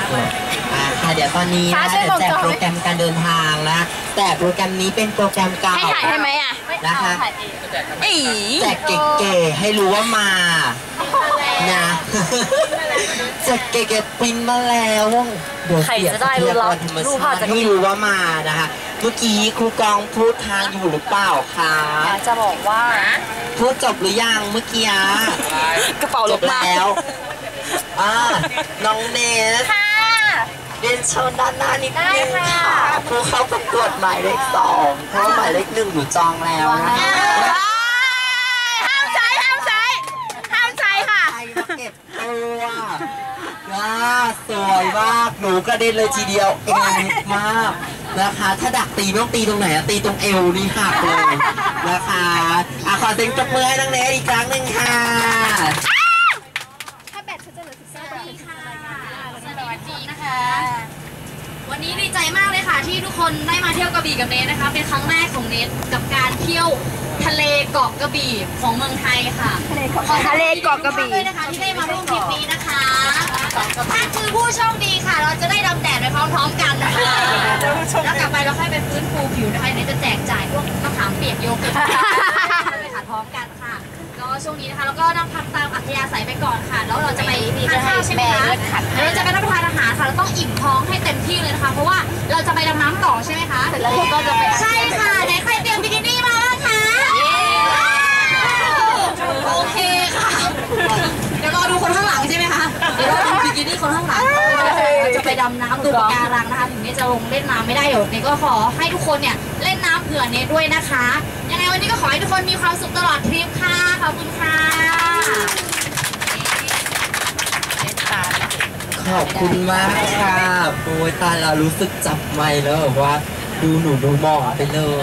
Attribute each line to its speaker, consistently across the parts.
Speaker 1: ค่ะเดี๋ยวตอนนี้นะเดี๋ยวแจกโปรแกรมการเดินทางนะแต่โปรแกรมนี้เป็นโปรแกรมเก่า
Speaker 2: ให้ถ่ายให้ไหมอ่ะ
Speaker 1: นะคะแจกเก๋ๆให้รู้ว่ามานะแจกเก๋ๆปริ้นมาแล้วเดี๋ยวเสียทรัพยากรธรรมชาติให้รู้ว่ามานะคะเมื่อกี้ครูกองพูดทางอยู่หรือเปล่าคะ
Speaker 2: จะบอกว่า
Speaker 1: พูดจบหรือยังเมื่อกี้
Speaker 2: กระเป๋า
Speaker 1: จบแล้วน้องเนสเรียนเชิญด้านหน้านิดนึงค่ะผู้เข้าประกวดหมายเลข2เพราะหมายเลข1อยู่จองแล้วนะคะ
Speaker 2: ห้ามใช้ค่ะใคร
Speaker 1: มาเก็บตัวสวยมากหนูกระเด็นเลยทีเดียวเองมากนะคะถ้าดักตีไม่ต้องตีตรงไหนตีตรงเอวนี่หักเลยนะคะขอเสียงปรบมือให้น้องเนสอีกครั้งหนึ่งค่ะ
Speaker 3: วันนี้ดีใจมากเลยค่ะที่ทุกคนได้มาเที่ยวกระบี่กับเนทนะคะเป็นครั้งแรกของเนทกับการเที่ยวทะเลเกาะกระบี่ของเมืองไทยค่ะ
Speaker 2: ทะเลเกาะกระบี่
Speaker 3: ด้วยนะคะที่ได้มาร่วมทริปนี้นะคะถ้าคือผู้โชคดีค่ะเราจะได้ดำแดดไปพร้อมๆกันนะคะแล้วกลับไปเราค่อยไปฟื้นฟูผิวนะคะเนทจะแจกจ่ายพวกมะขามเปียกโยเกิร์ตไปขัดพร้อมกันค่ะก็ช่วงนี้นะคะแล้วก็นั่งพักตามอัธยาศัยไปก่อนค่ะแล้วเราจะไปทานข้าวใช่ไหมคะเราจะไปรับประทานอาหารค่ะเราต้องอิ่มท้องให้เต็มที่เลยนะคะเพราะว่าเราจะไปดำน้ำต่อใช่ไหมคะแล้วก็จะไปใช่ค่ะไหนใครเตรียมบิกินี่มาบ้างคะโอเคค่ะเดี๋ยวรอดูคนข้างหลังใช่ไหมคะเดี๋ยวรอดูบิกินี่คนข้างหลังเราจะไปดำน้ำดูปะการังนะคะถึงเนจะลงเล่นน้ำไม่ได้เดี๋ยวเนก็ขอให้ทุกคนเนี่ยเล่นน้ำเผื่อเนด้วยนะคะยังไงวันนี้ก็ขอให้ทุกคนมีความสุขตลอดทริปค่ะขอบคุณค่ะ
Speaker 1: ขอบคุณมากค่ะโอ้ยตาเรารู้สึกจับไมค์แล้วแบบว่าดูหนูดูมองไปเลย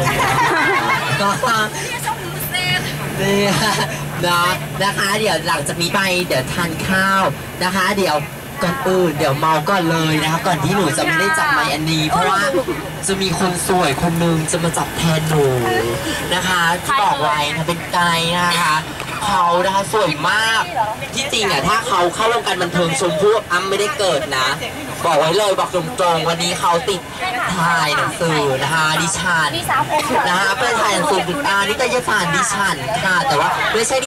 Speaker 1: นี่นะคะเดี๋ยวหลังจากนี้ไปเดี๋ยวทานข้าวนะคะเดี๋ยวก่อนอื่นเดี๋ยวเมาก่อนเลยนะคะก่อนที่หนูจะไม่ได้จับไมค์อันนี้เพราะว่าจะมีคนสวยคนหนึ่งจะมาจับแทนหนูนะคะที่บอกไว้นะเป็นไกด์นะคะเขานะคะสวยมากที่จริงอ่ะถ้าเขาเข้าวงการบันเทิงชมพู่อ้ำไม่ได้เกิดนะบอกไว้เลยบอกตรงๆวันนี้เขาติดถ่ายหนังสือนะคะดิฉันนะคะเป็นถ่ายหนังสือนิตยสารดิฉันค่ะแต่ว่าไม่ใช่